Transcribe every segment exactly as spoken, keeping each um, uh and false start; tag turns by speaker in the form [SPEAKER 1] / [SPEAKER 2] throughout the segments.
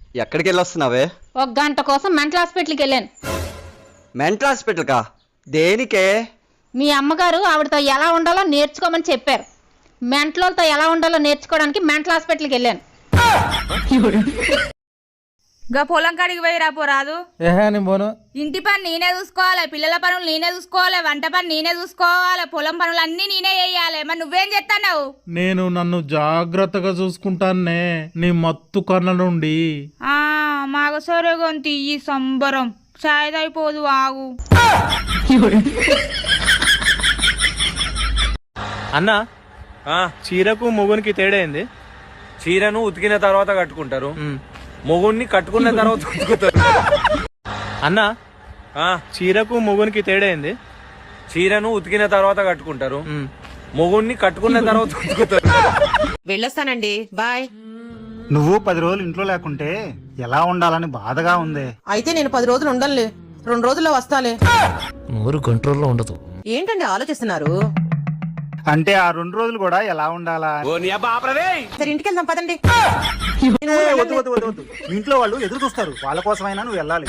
[SPEAKER 1] ఎక్కడికి వెళ్ళొస్తున్నావే?
[SPEAKER 2] ఒక గంట కోసం మెంటల్ హాస్పిటల్కి వెళ్ళాను.
[SPEAKER 1] మెంటల్ హాస్పిటల్కా? దేనికే?
[SPEAKER 2] మీ అమ్మగారు ఆవిడతో ఎలా ఉండాలో నేర్చుకోమని చెప్పారు. మెంటల్తో ఎలా ఉండాలో నేర్చుకోవడానికి మెంటల్ హాస్పిటల్కి వెళ్ళాను.
[SPEAKER 3] గా పొలం కాడికి పోయి రాపో రాదు.
[SPEAKER 4] ఏహే నేను పోను.
[SPEAKER 3] ఇంటి పని నేనే చూసుకోవాలి, పిల్లల పనులు నేనే చూసుకోవాలి, వంట పని నేనే చూసుకోవాలి, పొలం పనులు అన్ని నేనే చేయాలి. మరి నువ్వేం చేస్తున్నావు?
[SPEAKER 4] నేను నన్ను జాగ్రత్తగా చూసుకుంటానే నీ మత్తు కళ్ళ నుండి.
[SPEAKER 3] ఆ మాగసరే గొంతి ఈ సంబరం సాయదైపోదు ఆగు.
[SPEAKER 5] అన్నా చీరకు మొగునికి తేడా ఏంది?
[SPEAKER 6] చీరను ఉతికిన తర్వాత కట్టుకుంటారు, మొగుడిని కట్టుకున్న తర్వాత ఉతుకుతారు.
[SPEAKER 5] అన్నా చీరకు మొగునికి తేడా ఏంది?
[SPEAKER 6] చీరను ఉతికిన తర్వాత కట్టుకుంటారు, మొగుడిని కట్టుకున్న తర్వాత ఉతుకుతారు.
[SPEAKER 7] వెళ్ళొస్తానండి, బాయ్.
[SPEAKER 8] నువ్వు పది రోజులు ఇంట్లో లేకుంటే ఎలా ఉండాలని బాధగా ఉంది.
[SPEAKER 7] అయితే నేను పది రోజులు ఉండనులే, రెండు రోజుల్లో వస్తాలే.
[SPEAKER 9] నోరు కంట్రోల్లో ఉండదు.
[SPEAKER 7] ఏంటండి ఆలోచిస్తున్నారు?
[SPEAKER 8] అంటే ఆ రెండు రోజులు కూడా ఎలా ఉండాలా?
[SPEAKER 7] సరే ఇంటికి వెళ్దాం పదండి.
[SPEAKER 8] వద్దు వద్దు వద్దు వద్దు, ఇంట్లో వాళ్ళు ఎదురు చూస్తారు, వాళ్ళ కోసమైనా నువ్వు వెళ్ళాలి.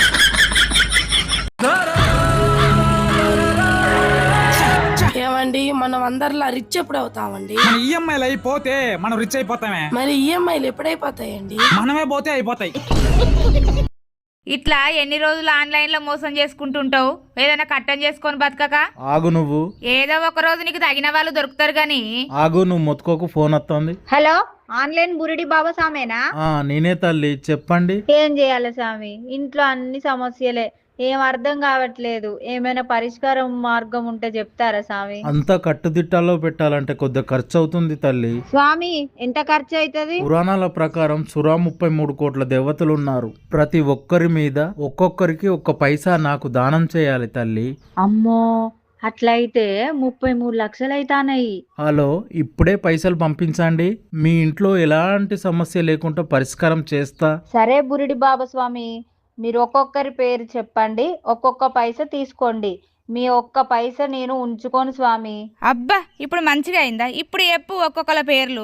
[SPEAKER 10] ఏమండి మనం అందరిలా రిచ్ ఎప్పుడు అవుతామండి?
[SPEAKER 11] మన ఈఎంఐలు అయిపోతే మనం రిచ్ అయిపోతామే.
[SPEAKER 10] మరి ఈఎంఐలు ఎప్పుడైపోతాయండి?
[SPEAKER 11] మనమే పోతే అయిపోతాయి.
[SPEAKER 3] ఇట్లా ఎన్ని రోజులు ఆన్లైన్ లో మోసం చేసుకుంటుంటావు? ఏదైనా కట్టం చేసుకొని బతకక
[SPEAKER 4] ఆగు నువ్వు.
[SPEAKER 3] ఏదో ఒక రోజు నీకు తగిన వాళ్ళు దొరుకుతారు గాని.
[SPEAKER 4] ఆగు నువ్వు మొత్తుకోకు, ఫోన్ వస్తుంది.
[SPEAKER 2] హలో, ఆన్లైన్ బురిడి బాబా సామేనా?
[SPEAKER 4] ఆ నేనే తల్లి, చెప్పండి.
[SPEAKER 2] ఏం చేయాలి స్వామి, ఇంట్లో అన్ని సమస్యలే, ఏం అర్థం కావట్లేదు. ఏమైనా పరిష్కారం మార్గం ఉంటే చెప్తారా స్వామి?
[SPEAKER 4] అంతా కట్టుదిట్టాల్లో పెట్టాలంటే కొద్దిగా ఖర్చు అవుతుంది తల్లి.
[SPEAKER 2] స్వామి ఎంత ఖర్చు అవుతుంది?
[SPEAKER 4] పురాణాల ప్రకారం సురా ముప్పై మూడు కోట్ల దేవతలు ఉన్నారు. ప్రతి ఒక్కరి మీద ఒక్కొక్కరికి ఒక్క పైసా నాకు దానం చేయాలి తల్లి.
[SPEAKER 2] అమ్మో, అట్లయితే ముప్పై మూడు లక్షలు అయితానాయి.
[SPEAKER 4] హలో, ఇప్పుడే పైసలు పంపించండి. మీ ఇంట్లో ఎలాంటి సమస్య లేకుండా పరిష్కారం చేస్తా.
[SPEAKER 2] సరే బురిడి బాబా స్వామి, మీరు ఒక్కొక్కరి పేరు చెప్పండి, ఒక్కొక్క పైసా తీసుకోండి. మీ ఒక్క పైసా నేను ఉంచుకోను స్వామి.
[SPEAKER 3] అబ్బా ఇప్పుడు మంచిగా అయిందా? ఇప్పుడు చెప్పు ఒక్కొక్కల పేర్లు.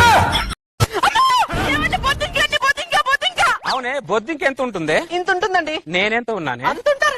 [SPEAKER 6] అవునే, బొద్దింక ఎంత ఉంటుంది?
[SPEAKER 7] ఇంత ఉంటుందండి.
[SPEAKER 6] నేనెంత ఉన్నానే?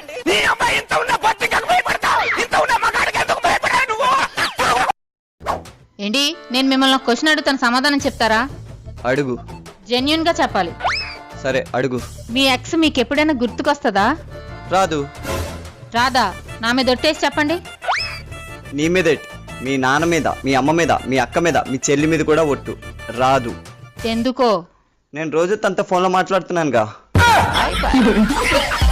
[SPEAKER 2] ఏంటి, నేను మిమ్మల్ని క్వశ్చన్ అడుగుతాను, సమాధానం చెప్తారా?
[SPEAKER 1] అడుగు.
[SPEAKER 2] జెన్యున్ గా చెప్పాలి.
[SPEAKER 1] సరే అడుగు.
[SPEAKER 2] మీ ఎక్స్ మీకు ఎప్పుడైనా గుర్తుకొస్తుందా?
[SPEAKER 1] రాదు.
[SPEAKER 2] రాదా? నా మీద ఒట్టేసి చెప్పండి.
[SPEAKER 1] నీ మీద, మీ నాన్న మీద, మీ అమ్మ మీద, మీ అక్క మీద, మీ చెల్లి మీద కూడా ఒట్టు. రాదు.
[SPEAKER 2] ఎందుకో?
[SPEAKER 1] నేను రోజు తనతో ఫోన్లో మాట్లాడుతున్నానుగా.